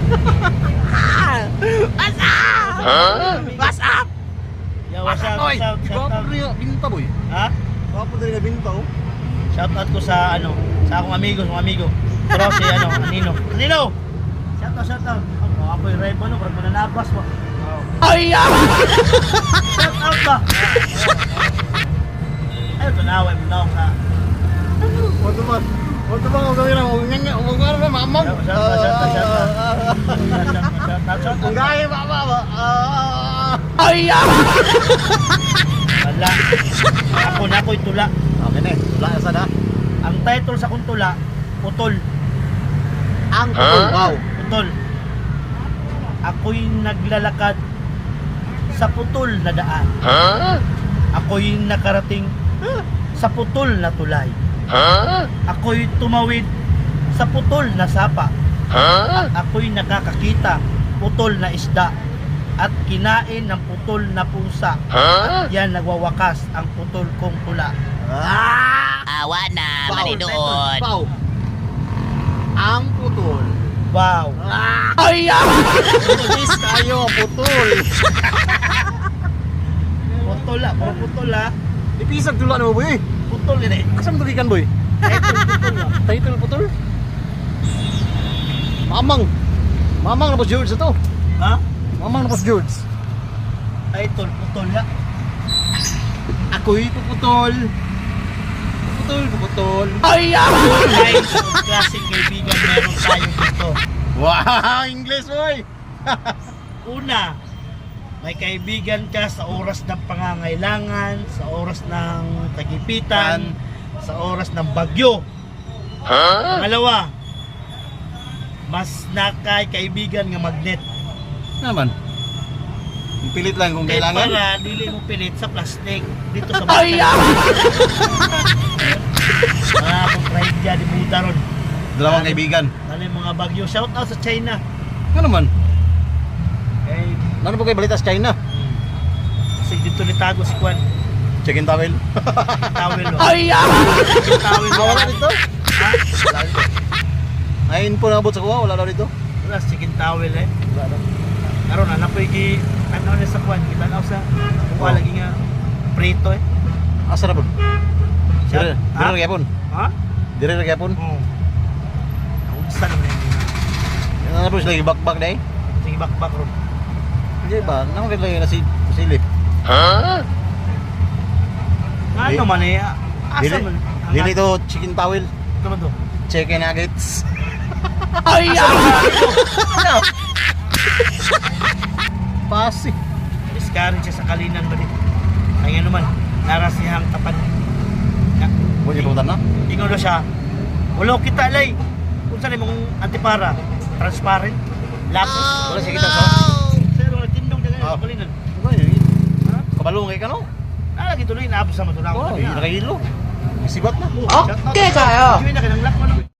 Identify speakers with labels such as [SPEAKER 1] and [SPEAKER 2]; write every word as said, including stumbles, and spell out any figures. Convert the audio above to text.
[SPEAKER 1] What's up?
[SPEAKER 2] Huh?
[SPEAKER 1] What's up?
[SPEAKER 3] Yo, what's up?
[SPEAKER 1] Oy,
[SPEAKER 3] What's up? Shout
[SPEAKER 2] Gwapo
[SPEAKER 3] out.
[SPEAKER 2] rin yung binta boy.
[SPEAKER 3] Ha?
[SPEAKER 2] Gwapo rin yung binta oh.
[SPEAKER 3] Shout out ko sa ano, sa akong amigo, sa amigo. Pero si ano, Anino. Anino! Shout out, shout out. Ako, ako yung rival, no? Parang mananabas mo.
[SPEAKER 1] Ay, ah!
[SPEAKER 3] Shout out ba? Ayun, tunaway mo daw sa...
[SPEAKER 2] Wato ba? Wato ba kung gawin mo? Nga nga, kung ano ba mamam?
[SPEAKER 3] Shout out, shout out, shout out. Shout out, shout out, shout
[SPEAKER 2] Kung
[SPEAKER 3] out.
[SPEAKER 2] gaya mama ba?
[SPEAKER 1] Ay, ah!
[SPEAKER 3] Wala. Ako na ako'y tula.
[SPEAKER 2] Okay na eh. Wala na sana.
[SPEAKER 3] Ang title sa kong tula, Putol.
[SPEAKER 2] Ang putol. Wow.
[SPEAKER 3] Putol. Ako'y naglalakad sa putol na daan.
[SPEAKER 2] Huh?
[SPEAKER 3] Ako'y nakarating sa putol na tulay.
[SPEAKER 2] Huh?
[SPEAKER 3] Ako'y tumawid sa putol na sapa.
[SPEAKER 2] Huh?
[SPEAKER 3] At ako'y nakakakita putol na isda at kinain ng putol na pusa.
[SPEAKER 2] Huh?
[SPEAKER 3] At yan nagwawakas ang putol kong tula.
[SPEAKER 2] Ah!
[SPEAKER 1] Awa na,
[SPEAKER 2] Wow.
[SPEAKER 1] mali doon.
[SPEAKER 2] Wow. Ang putol.
[SPEAKER 3] Wow.
[SPEAKER 2] Ah!
[SPEAKER 1] Ay, ah!
[SPEAKER 2] Pulis tayo, putol.
[SPEAKER 3] Putol ah, puro putol ah.
[SPEAKER 2] Ipisag tula na mo boy.
[SPEAKER 3] Putol ini.
[SPEAKER 2] Kasam tulikan boy?
[SPEAKER 3] Title putol ah.
[SPEAKER 2] Title putol. Mamang. Mamang na boss George ito.
[SPEAKER 3] Ha?
[SPEAKER 2] Mamang na boss George.
[SPEAKER 3] Title putol ah.
[SPEAKER 2] Ako'y puputol. Puputol, puputol.
[SPEAKER 1] Ay, ah!
[SPEAKER 3] Guys, klaseng kaibigan meron tayo dito.
[SPEAKER 2] Wow, English boy.
[SPEAKER 3] Una, may kaibigan ka sa oras ng pangangailangan, sa oras ng tagipitan, sa oras ng bagyo.
[SPEAKER 2] Huh?
[SPEAKER 3] Pangalawa, mas nakay kaibigan nga magnet.
[SPEAKER 2] Naman. Pilit lang kung
[SPEAKER 3] Kaya
[SPEAKER 2] kailangan.
[SPEAKER 3] para dili mo pilit sa plastic dito sa
[SPEAKER 1] Ay,
[SPEAKER 3] bahay.
[SPEAKER 1] ah!
[SPEAKER 3] Mga akong ride dyan, di buta ron.
[SPEAKER 2] Dalawang kaibigan.
[SPEAKER 3] Ano yung mga bagyo? Shout out sa China.
[SPEAKER 2] Ano naman?
[SPEAKER 3] Eh,
[SPEAKER 2] Ano po kayo balita sa China?
[SPEAKER 3] kasi dito nitago si Kwan.
[SPEAKER 2] Chicken towel.
[SPEAKER 3] Towel o.
[SPEAKER 1] Ay, ah!
[SPEAKER 3] Towel
[SPEAKER 2] Ah, wala dito?
[SPEAKER 3] Ha?
[SPEAKER 2] Wala dito. Ay, info na abot sa kuha. Wala daw dito.
[SPEAKER 3] Wala, chicken towel eh.
[SPEAKER 2] Wala daw.
[SPEAKER 3] Karon anak ko iki ano na sa Kwan. Kita na sa kuha lagi nga prito eh.
[SPEAKER 2] Asa na po? Dire,
[SPEAKER 3] Shout-
[SPEAKER 2] dire
[SPEAKER 3] ha?
[SPEAKER 2] ra gyapon.
[SPEAKER 3] Ha?
[SPEAKER 2] Dire ra gyapon.
[SPEAKER 3] Oo. Naunsa naman yun.
[SPEAKER 2] Ano po sila bakbak dai?
[SPEAKER 3] Sige bakbak ron.
[SPEAKER 2] Hindi ba? Nang kay lang nasi sili.
[SPEAKER 3] Ano man eh. Asa
[SPEAKER 2] Dili,
[SPEAKER 3] man? Ang-
[SPEAKER 2] dili to chicken towel.
[SPEAKER 3] Ano man to?
[SPEAKER 2] Chicken nuggets.
[SPEAKER 1] Ay, ah!
[SPEAKER 2] Ano? Pasi.
[SPEAKER 3] Discourage siya sa kalinan ba dito? Ay nga naman, narasihang tapat. Na,
[SPEAKER 2] Mo ni putan na?
[SPEAKER 3] ingon na siya. Wala kita lay. Kung saan mong antipara, transparent, lapis.
[SPEAKER 2] Wala siya kita sa.
[SPEAKER 3] Pero nagtindog na ganyan
[SPEAKER 2] Ah.
[SPEAKER 3] sa kalinan. Ha?
[SPEAKER 2] Kabalong kay kano?
[SPEAKER 3] Nalagi tuloy, naabos sa matunaw.
[SPEAKER 2] Oh, nakahilo. Isibat na.
[SPEAKER 1] Okay kayo.
[SPEAKER 3] Hindi na kinang lakman.